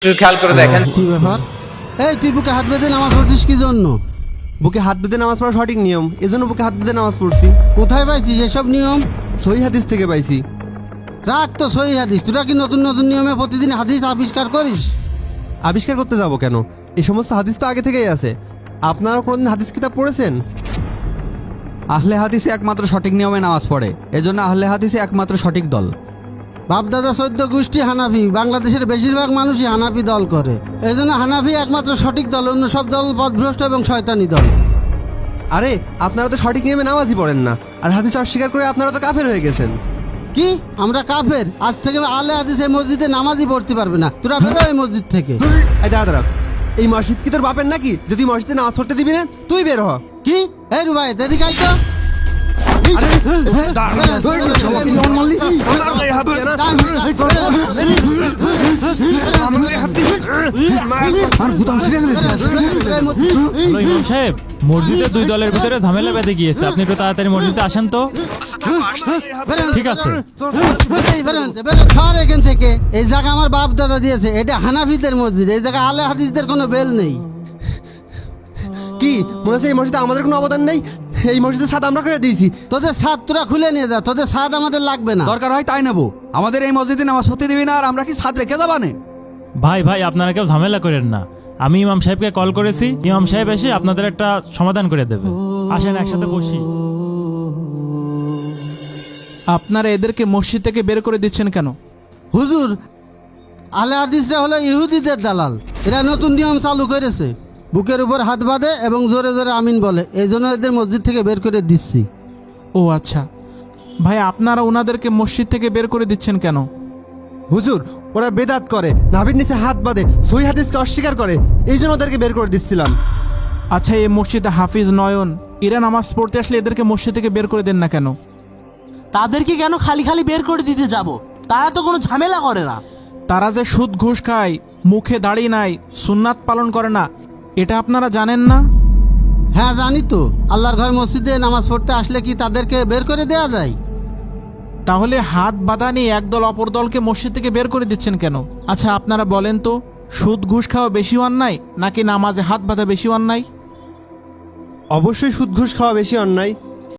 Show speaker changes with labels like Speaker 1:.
Speaker 1: খেয়াল করে দেখেন।
Speaker 2: কি ব্যাপার? এই তুই বুকে হাত বেঁধে নামাজ পড়ছিস কি জন্য?
Speaker 3: বুকে হাত বেঁধে নামাজ পড়া সঠিক নিয়ম, এজন্য বুকে হাত বেঁধে নামাজ পড়ছি।
Speaker 2: কোথায় পাইছিস এসব নিয়ম?
Speaker 3: সহিহ হাদিস থেকে পাইছি।
Speaker 2: রাখ তো সহি হাদিস, তোরা কি নতুন নতুন নিয়মে প্রতিদিন হাদিস আবিষ্কার করিস?
Speaker 3: আবিষ্কার করতে যাব কেন? এই সমস্ত হাদিস তো আগে থেকেই আছে। আপনারা কোনদিন হাদিস কিতাব পড়েছেন?
Speaker 4: আহলে হাদিসে একমাত্র সঠিক নিয়মে নামাজ পড়ে, এজন্য আহলে হাদিসে একমাত্র সঠিক দল।
Speaker 2: বাপদাদা 14 গোষ্ঠী হানাফি, বাংলাদেশের বেশিরভাগ মানুষই হানাফি দল করে, এই জন্য হানাফি একমাত্র সঠিক দল, অন্য সব দল পথভ্রষ্ট এবং শয়তানি দল।
Speaker 3: আরে আপনারা তো সঠিক নিয়মে নামাজই পড়েন না, আর হাদিস অস্বীকার করে আপনারা তো কাফের হয়ে গেছেন।
Speaker 2: কি আমরা কাফের? আজ থেকে আলে হাদিস এই মসজিদে নামাজই পড়তে পারবে না, তোরা বেরো এই মসজিদ থেকে।
Speaker 3: এই দাঁড়া দাঁড়া, এই মসজিদ কি তোর বাপের নাকি? যদি মসজিদে নামাজ পড়তে দিবি না তুই বের হ।
Speaker 2: কি এই রুবাই এদিকে আই তো।
Speaker 5: হ্যালো ইমাম সাহেব, মসজিদে দুই দলের ভিতরে ঝামেলা বেঁধে গিয়েছে, আপনি একটু তাড়াতাড়ি মসজিদে আসেন তো। ঠিক আছে।
Speaker 2: সর এখান থেকে, এই জায়গা আমার বাপ দাদা দিয়েছে, এটা হানাফিদের মসজিদ, এই জায়গা আলে হাদিসদের কোনো বেল নেই।
Speaker 3: কি মনে হচ্ছে এই মসজিদে আমাদের কোনো অবদান নেই? এই মসজিদের ছাদ আমরা করে দিয়েছি।
Speaker 2: তোদের ছাদ তোরা খুলে নিয়ে যা, তোদের ছাদ আমাদের লাগবে না।
Speaker 4: দরকার হয় তাই নেবো, আমাদের এই মসজিদে নামাজ পড়তে দিবি না, আর আমরা কি ছাদ রেখে যাবানে?
Speaker 5: ভাই ভাই আপনারা কেউ ঝামেলা করেন না, আমি ইমাম সাহেবকে কল করেছি, ইমাম সাহেব এসে আপনাদের একটা সমাধান করে দেবে। আসেন একসাথে বসি।
Speaker 6: আপনারা এদেরকে মসজিদ থেকে বের করে দিচ্ছেন কেন?
Speaker 2: হুজুর, আলে হাদিসরা হলো ইহুদিদের দালাল, এরা নতুন নিয়ম চালু করেছে, বুকের উপর হাত বাঁধে এবং জোরে জোরে আমিন বলে, এই জন্য এদের মসজিদ থেকে বের করে দিচ্ছি।
Speaker 6: ও আচ্ছা ভাই, আপনারা ওনাদেরকে মসজিদ থেকে বের করে দিচ্ছেন কেন?
Speaker 3: হুজুর, ওরা বেদাত করে, নাভির নিচে হাত বাঁধে, সহিহ হাদিসকে অস্বীকার করে, এই জন্য ওদেরকে বের করে দিচ্ছিলাম।
Speaker 6: আচ্ছা, এই মসজিদে হাফিজ নয়ন এরা নামাজ পড়তে আসলে এদেরকে মসজিদ থেকে বের করে দেন না কেন?
Speaker 7: তাদেরকে কেন খালি খালি বের করে দিতে যাব? তারা তো কোনো ঝামেলা করে না।
Speaker 6: তারা যে সুদ ঘুষ খায়, মুখে দাড়ি নাই, সুন্নাত পালন করে না, এটা আপনারা জানেন না?
Speaker 2: হ্যাঁ জানি তো, আল্লাহর ঘর মসজিদে নামাজ পড়তে আসলে কি তাদেরকে বের করে দেওয়া যায়?
Speaker 6: তাহলে হাত বাঁধা নিয়ে একদল অপর দলকে মসজিদ থেকে বের করে দিচ্ছেন কেন? আচ্ছা আপনারা বলেন তো, সুদ ঘুষ খাওয়া বেশি অন্যায় নাকি নামাজে হাত বাঁধা বেশি অন্যায়?
Speaker 3: অবশ্যই সুদ ঘুষ খাওয়া বেশি অন্যায়।